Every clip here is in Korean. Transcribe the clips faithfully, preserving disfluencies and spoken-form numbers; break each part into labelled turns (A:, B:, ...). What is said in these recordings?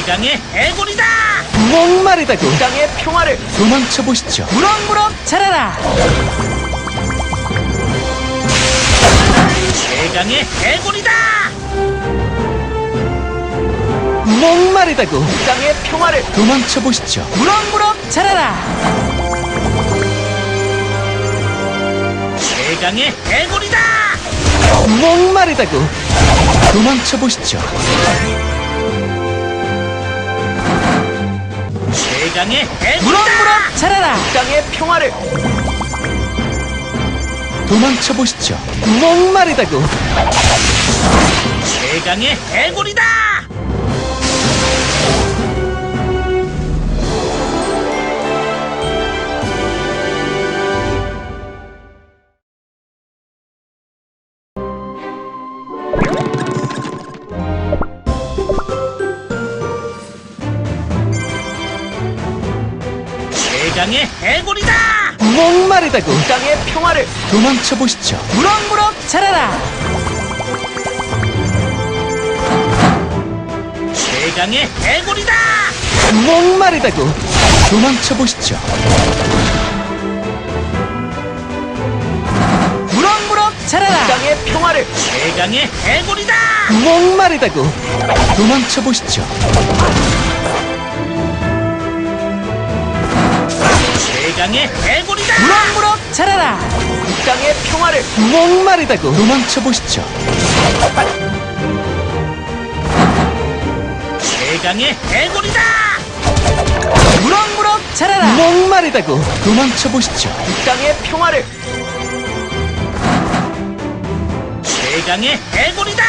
A: 최강의 해골이다!
B: 목마르다고 땅의 평화를 도망쳐보시죠.
C: 무럭무럭 자라라.
A: 최강의 해골이다!
B: 목마르다고 땅의 평화를 도망쳐보시죠.
C: 무럭무럭 자라라.
A: 최강의 해골이다!
B: 목마르다고 도망쳐보시죠.
A: 최강의 해골이다!
C: 무럭무럭 자라라.
B: 땅의 평화를 도망쳐보시죠. 목마르다고
A: 최강의 해골이다! 최강의 해골이다!
B: 목마르다고 땅의 평화를 도망쳐보시죠.
C: 무럭무럭 자라라.
A: 최강의 해골이다!
B: 목마르다고 도망쳐보시죠.
C: 무럭무럭 자라라.
B: 땅의 평화를
A: 최강의 해골이다!
B: 목마르다고 도망쳐보시죠.
A: 최강의 해골이다!
C: 무럭무럭 자라라.
B: 땅의 평화를 목마르다고 도망쳐보시죠.
A: 최강의 해골이다!
C: 무럭무럭 자라라.
B: 목마르다고 도망쳐보시죠. 땅의 평화를
A: 최강의 해골이다!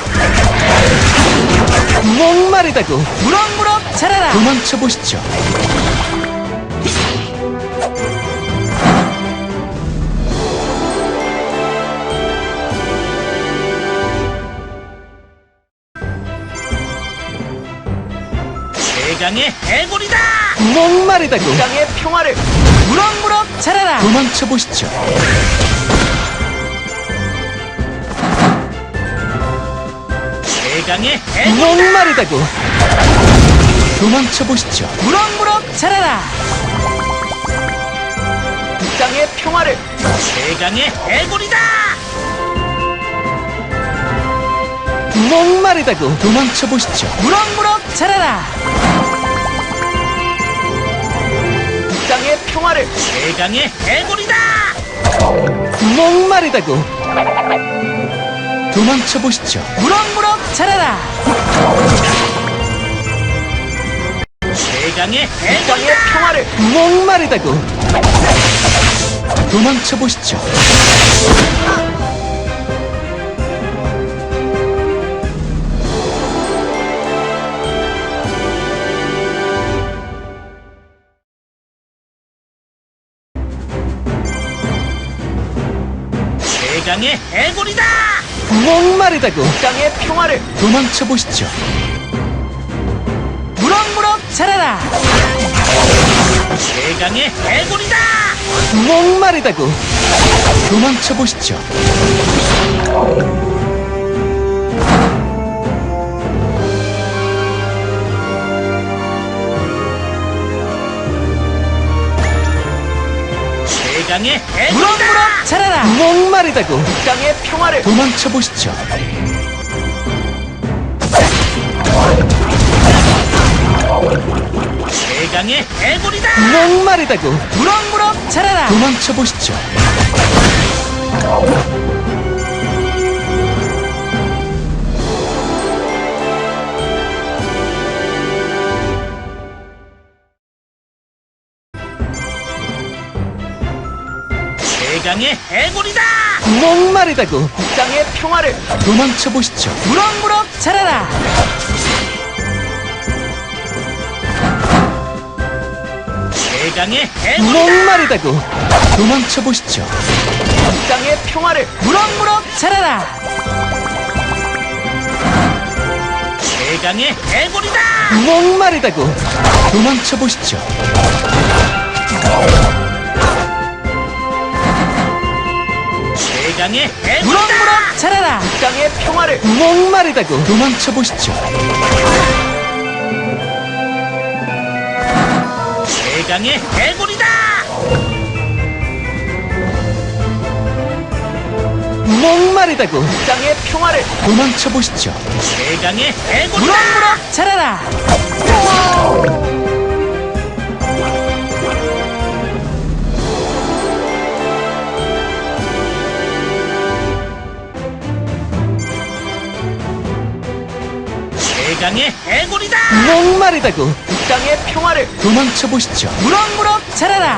B: 목마르다고
C: 무럭무럭 자라라.
B: 도망쳐보시죠.
A: 최강의 해골이다!
B: 목마르다고 땅의 평화를
C: 무럭무럭 자라라.
B: 도망쳐보시죠.
A: 최강의 해골이다!
B: 목마르다고 도망쳐보시죠.
C: 무럭무럭 자라라.
B: 땅의 평화를
A: 최강의 해골이다!
B: 목마르다고 도망쳐보시죠.
C: 무럭무럭 자라라.
B: 땅의 평화를
A: 최강의 해골이다!
B: 목마르다고 도망쳐보시죠.
C: 무럭무럭 자라라.
A: 최강의
B: 땅의
A: 해골이다!
B: 평화를 목마르다고 도망쳐보시죠.
A: 최강의 해골이다!
B: 목마르다고 땅의 평화를 도망쳐보시죠.
C: 무럭무럭 자라라.
A: 최강의 해골이다!
B: 목마르다고 도망쳐보시죠.
A: 최강의 해골이다!
C: 무럭무럭 자라라.
B: 목마르다고 땅의 평화를 도망쳐보시죠.
A: 최강의 해골이다!
B: 목마르다고
C: 무럭무럭 자라라.
B: 도망쳐보시죠.
A: 최강의 해골이다!
B: 목마르다고 땅의 평화를 도망쳐보시죠.
C: 무럭무럭 자라라.
A: 최강의 해골이다!
B: 목마르다고 도망쳐보시죠. 땅의 평화를
C: 무럭무럭 자라라.
A: 최강의 해골이다!
B: 목마르다고 도망쳐보시죠.
A: 최강의 해골이다!
C: 무럭무럭 자라라.
B: 땅의 평화를 목마르다고 도망쳐보시죠.
A: 대강의 해골이다!
B: 목마르다고 땅의 평화를 도망쳐 보시죠.
A: 대강의 해골이다!
C: 무럭무럭 자라라.
A: 대강의 해골이다!
B: 목마르다고 땅의 평화를 도망쳐 보시죠.
C: 무럭무럭 자라라.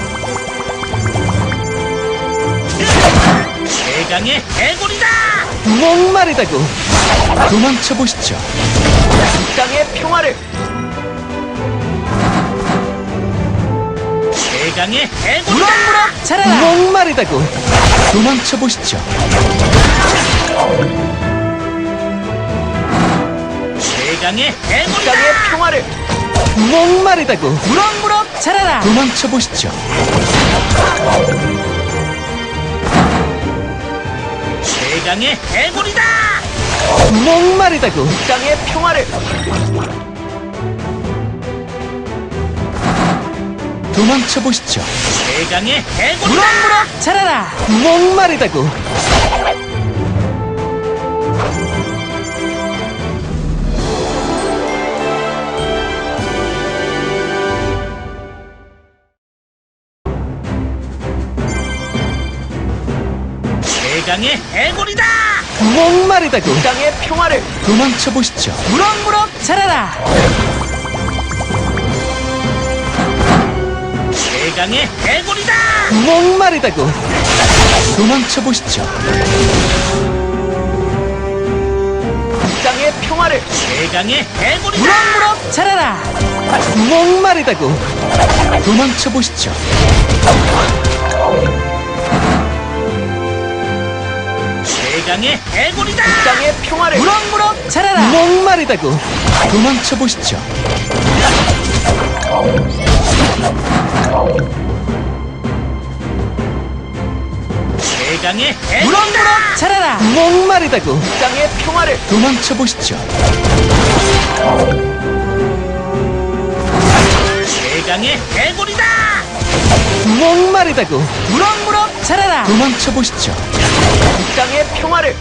A: 대강의 해골이다!
B: 목마르다고 도망쳐 보시죠. 땅의 평화를
A: 대강의 해골이다!
C: 무럭무럭 자라라.
B: 목마르다고 도망쳐 보시죠.
A: 대강의 해골이다!
B: 땅의 평화를 목마르다고
C: 무럭무럭 자라라.
B: 도망쳐 보시죠.
A: 대강의 해골이다!
B: 목마르다고 땅의 평화를 도망쳐 보시죠.
A: 대강의 해골이다!
C: 무럭무럭 자라라.
B: 목마르다고
A: 대강의 해골이다!
B: 목마르다고 땅의 평화를 도망쳐 보시죠.
C: 무럭무럭 자라라.
A: 대강의 해골이다!
B: 목마르다고 도망쳐 보시죠. 땅의 평화를
A: 대강의 해골이다!
C: 무럭무럭 자라라.
B: 목마르다고 도망쳐 보시죠.
A: 대강의 해골이다!
B: 땅의 평화를
C: 무럭무럭 자라라.
B: 목마르다고 도망쳐 보시죠.
A: 대강의 해골이다!
C: 무럭무럭 자라라.
B: 목마르다고 땅의 평화를 도망쳐 보시죠.
A: 대강의 해골이다!
B: 목마르다고
C: 무럭무럭 자라라.
B: 도망쳐 보시죠. 땅의 평화를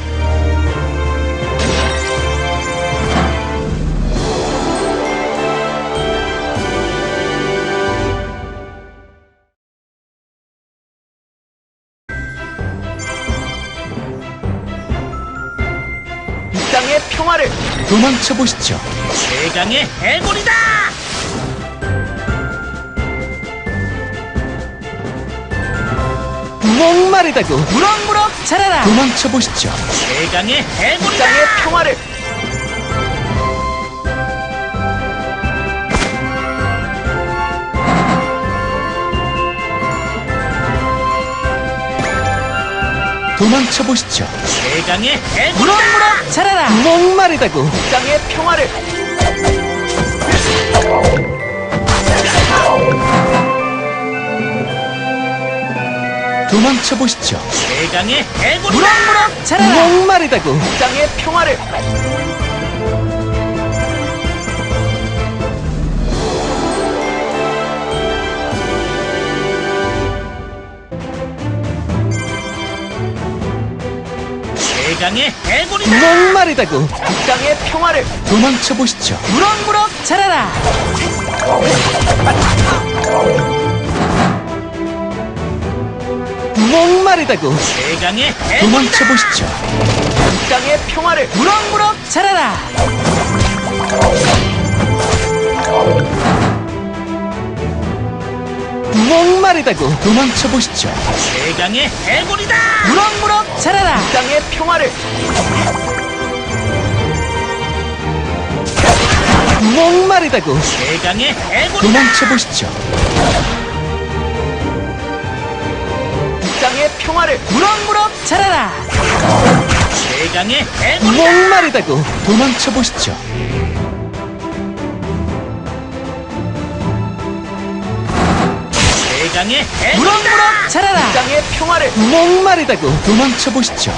B: 땅의 평화를 도망쳐 보시죠.
A: 대강의 해골이다!
B: 목마르다고
C: 무럭무럭 자라라.
B: 도망쳐 보시죠.
A: 대강의 해골이다!
B: 땅의 평화를 도망쳐 보시죠.
A: 대강의 해골이다!
C: 무럭무럭 자라라.
B: 목마르다고 땅의 평화를 도망쳐 보시죠.
A: 대강의 해골이다!
C: 무럭무럭 자라라.
B: 목마르다고 땅의 평화를
A: 대강의 해골이다!
B: 목마르다고 땅의 평화를 도망쳐 보시죠.
C: 무럭무럭 자라라.
B: 목마르다고
A: 대강의
B: 도망쳐
A: 해골이다!
B: 보시죠. 땅의 평화를
C: 무럭무럭 자라라.
B: 목마르다고 도망쳐 보시죠.
A: 대강의 해골이다!
C: 무럭무럭 자라라.
B: 땅의 평화를 목마르다고
A: 대강의 해골이다!
B: 도망쳐 보시죠. 땅의 평화를
C: 무럭무럭 자라라.
A: 대강의 해골이다!
B: 목마르다고 도망쳐 보시죠.
A: 대강의 해골이다!
C: 무럭무럭 자라라.
B: 땅의 평화를 목마르다고 도망쳐 보시죠.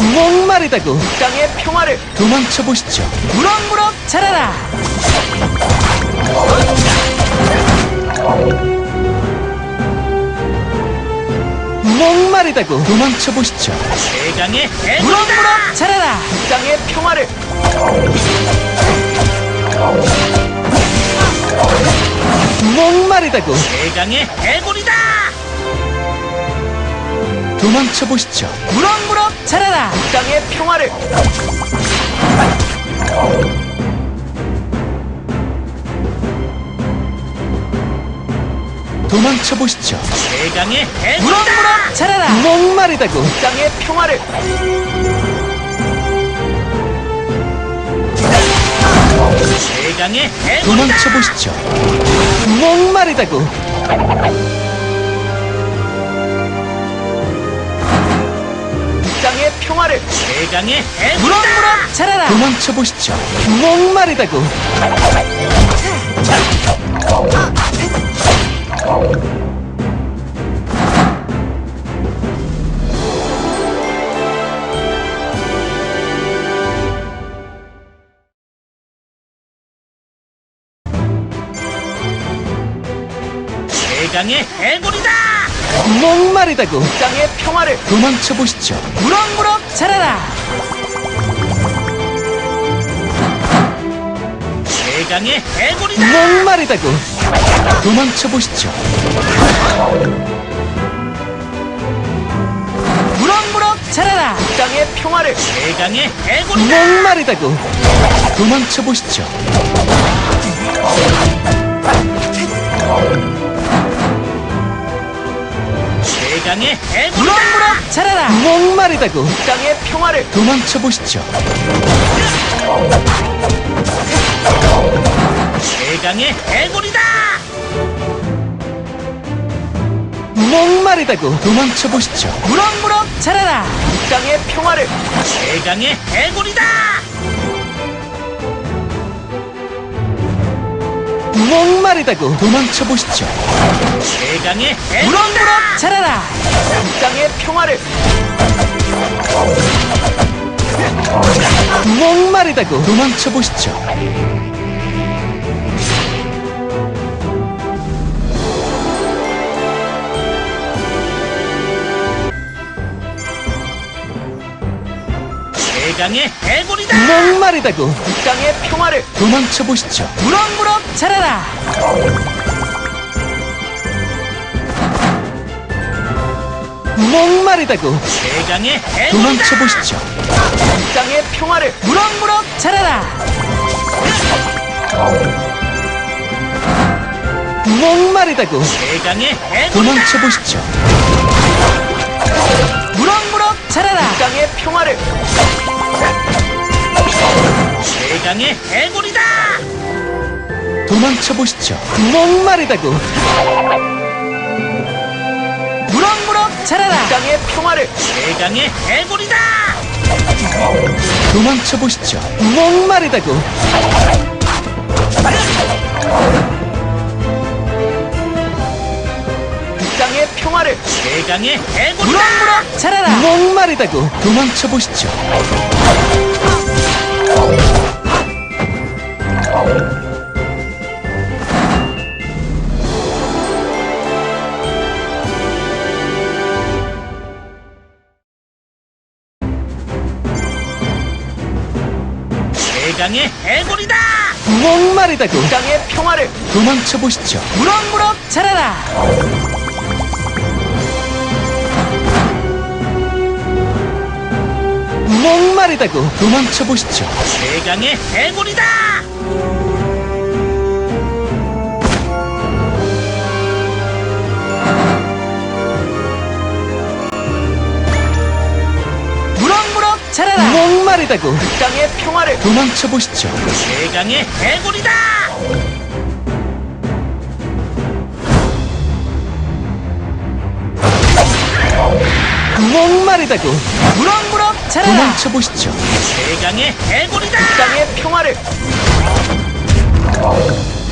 B: 목마르다고 이 땅의 평화를 도망쳐 보시죠.
C: 무럭무럭 자라라.
B: 목마르다고 도망쳐 보시죠.
A: 최강의 해골이다.
C: 무럭무럭 자라라.
B: 이 땅의 평화를 목마르다고
A: 최강의 해골이다.
B: 도망쳐 보시죠.
C: 무럭무럭 자라라.
B: 이 땅의 평화를 도망쳐 보시죠.
A: 최강의 해골이다.
C: 무럭무럭 자라라.
B: 목마르다고 이 땅의 평화를
A: 최강의 해골이다.
B: 도망쳐 보시죠. 목마르다고 이 땅의 평화를
A: 최강의 해골이다.
C: 무럭무럭 자라라.
B: 도망쳐 보시죠. 목마르다고
A: 최강의 해골이다.
B: 목마르다고 이 땅의 평화를 도망쳐 보시죠.
C: 무럭무럭 자라라.
A: 최강의 해골이다.
B: 목마르다고 도망쳐 보시죠.
C: 무럭무럭 자라라.
B: 이 땅의 평화를
A: 최강의 해골이다.
B: 목마르다고 도망쳐 보시죠.
A: 최강의 해골이다.
C: 무럭무럭 자라라.
B: 목마르다고 이 땅의 평화를 도망쳐 보시죠.
A: 최강의 해골이다.
B: 목마르다고 도망쳐 보시죠.
C: 무럭무럭 자라라.
B: 이 땅의 평화를
A: 최강의 해골이다.
B: 목마르다고 도망쳐 보시죠.
A: 최강의 해골이다.
C: 무럭무럭 자라라.
B: 이 땅의 평화를 목마르다고 도망쳐 보시죠.
A: 최강의 해골이다.
B: 목마르다고 이 땅의 평화를 도망쳐 보시죠.
C: 무럭무럭 자라라.
B: 목마르다고
A: 최강의 해골이다.
B: 도망쳐 보시죠. 이 땅의 평화를
C: 무럭무럭 자라라.
B: 목마르다고
A: 최강의 해골이다.
B: 도망쳐 보시죠.
C: 무럭무럭 자라라.
B: 이 땅의 평화를
A: 최강의 해골이다.
B: 도망쳐 보시죠. 목마르다고
C: 무럭무럭 자라라.
B: 이 땅의 평화를
A: 최강의 해골이다.
B: 도망쳐 보시죠. 목마르다고 이 땅의 평화를
A: 최강의 해골이다.
C: 무럭무럭 자라라.
B: 목마르다고 도망쳐 보시죠.
A: 최강의 해골이다.
B: 목마르다고 이 땅의 평화를 도망쳐 보시죠.
C: 무럭무럭 자라라.
B: 목마르다고 도망쳐 보시죠.
A: 최강의 해골이다.
C: 무럭무럭 자라라.
B: 목마르다고 이 땅의 평화를 도망쳐 보시죠.
A: 최강의 해골이다.
B: 목마르다고
C: 무럭무럭 자라라.
B: 도망쳐 보시죠.
A: 최강의 해골이다.
B: 이 땅의 평화를